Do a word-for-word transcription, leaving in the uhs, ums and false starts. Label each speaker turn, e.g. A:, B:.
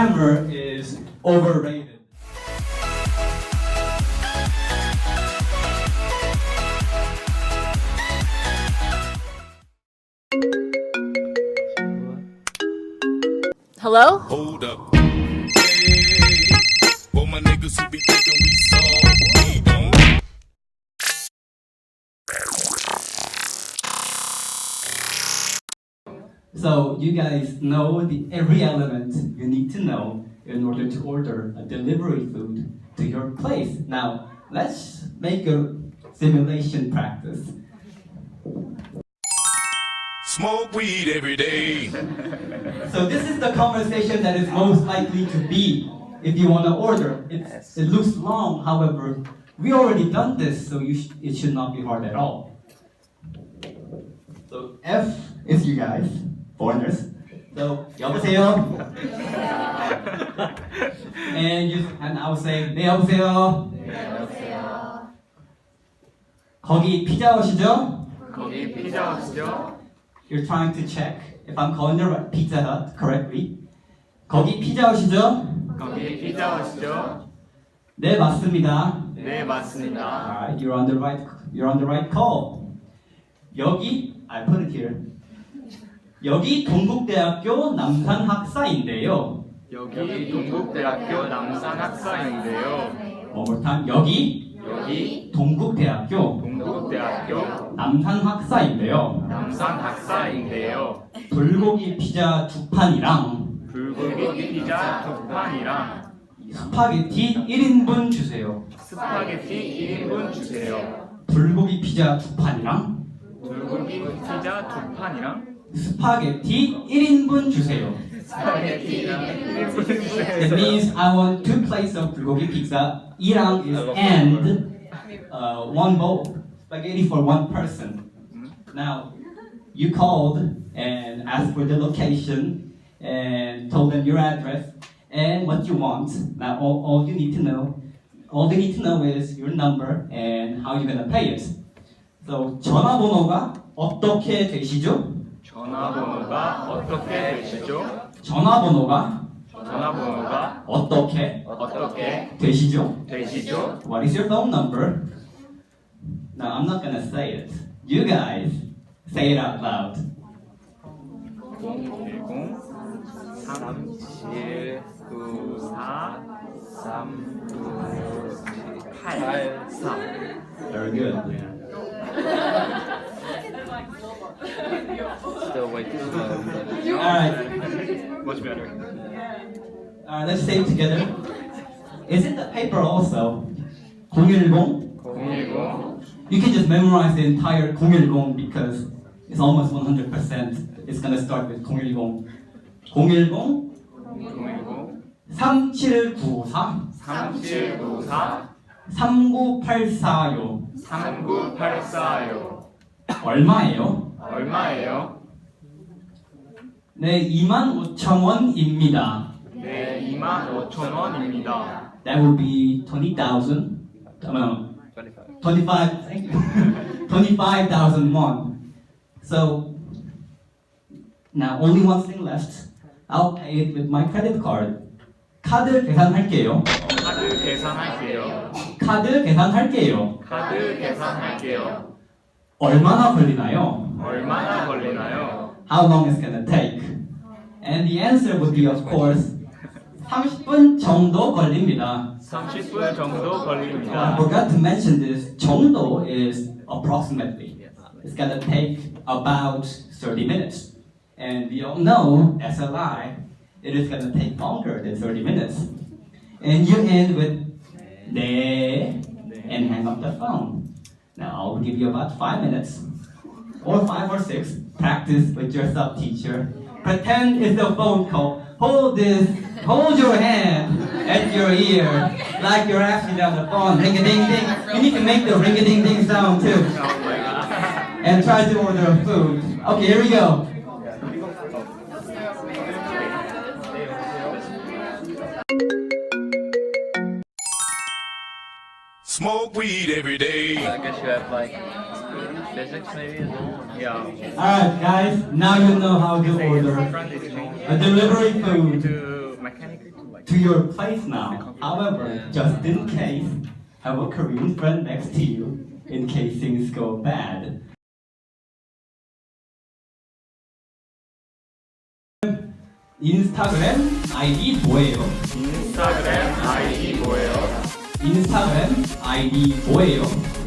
A: hammer is overrated.
B: Hello?
C: Hold up. Hey, for my niggas who be thinking we soft, we don't.
A: So you guys know the every element you need to know in order to order a delivery food to your place. Now let's make a simulation practice.
C: Smoke weed every day.
A: So this is the conversation that is most likely to be if you want to order. It's, it looks long, however, we already done this, so you sh- it should not be hard at all. So F is you guys, foreigners. So 여보세요. and you and I will say 네 여보세요. 거기 피자헛이죠?
D: 거기 피자헛이죠?
A: You're trying to check if I'm calling the right Pizza Hut correctly. 거기 피자헛이죠?
D: 거기 피자헛이죠?
A: 네 맞습니다.
D: 네, 맞습니다.
A: Alright, you're on the right. You're on the right call. 여기 I put it here. 여기 동국대학교 남산학사인데요.
D: 여기 동국대학교 남산학사인데요.
A: One more time. 여기
D: 여기
A: 동국대학교
D: 동국대학교
A: 남산학사인데요.
D: 남산학사인데요.
A: 불고기 피자 두 판이랑
D: 불고기 피자 두 판이랑
A: 스파게티 일 인분 주세요.
D: 스파게티 일 인분 주세요.
A: 불고기 피자 두 판이랑
D: 불고기 피자 두 판이랑
A: 스파게티 일 인분 주세요.
D: 스파게티랑 일 인분
A: That
D: 주세요.
A: means I want two plates of bulgogi pizza. 이랑 is and uh, one bowl spaghetti for one person. Now, you called and asked for the location and told them your address and what you want. Now, all, all you need to know, all they need to know is your number and how you're gonna pay it. So, 전화번호가 어떻게 되시죠?
D: 전화번호가 어떻게 되시죠?
A: 전화번호가
D: 전화번호가
A: 어떻게
D: 어떻게
A: 되시죠?
D: 되시죠?
A: What is your phone number? Now I'm not gonna say it. You guys say it out loud.
D: 공일공 삼칠구사 삼구팔사.
A: Very good.
D: Still way too slow.
A: Alright,
D: Much better.
A: alright, let's say it together. Is it the paper also? 공일공?
D: 공일공
A: You can just memorize the entire 공일공 because it's almost one hundred percent. It's gonna start with 공일공. 공일공
D: 공일공
A: 삼칠구사
D: 삼칠구사
A: 삼구팔사요.
D: 삼구팔사요.
A: 얼마예요?
D: 얼마예요?
A: 네, 이만 오천 원입니다.
D: 네, 이만 오천 원입니다.
A: That would be twenty thousand. No, twenty-five. Thank you. twenty-five thousand won. So now only one thing left. I'll pay it with my credit card. 카드 계산할게요.
D: 카드 계산할게요.
A: 카드 계산할게요.
D: 카드 계산할게요.
A: 얼마나 걸리나요?
D: 얼마나 걸리나요?
A: How long is gonna take? And the answer would be, of course, 삼십 분 정도 걸립니다.
D: 삼십 분 정도
A: I
D: 걸립니다.
A: forgot to mention this. 정도 is approximately. It's gonna take about thirty minutes. And we all know, S L I, it is gonna take longer than thirty minutes. And you end with 네 and hang up the phone. Now I'll give you about five minutes, or five or six. Practice with your sub teacher. Pretend it's a phone call. Hold this, hold your hand at your ear like you're actually on the phone. Ring a ding ding. You need to make the ring a ding ding sound too.
D: Oh my god.
A: And try to order food. Okay, here we go.
C: Smoke weed every day.
D: I guess you have like physics maybe as well. Yeah.
A: Alright guys, now you know how to order a delivery food.
D: To mechanical.
A: to your place now. However, just in case, have a Korean friend next to you in case things go bad. 인스타그램 아이디 뭐예요?
D: 인스타그램 아이디 뭐예요?
A: 인스타그램 아이디 뭐예요?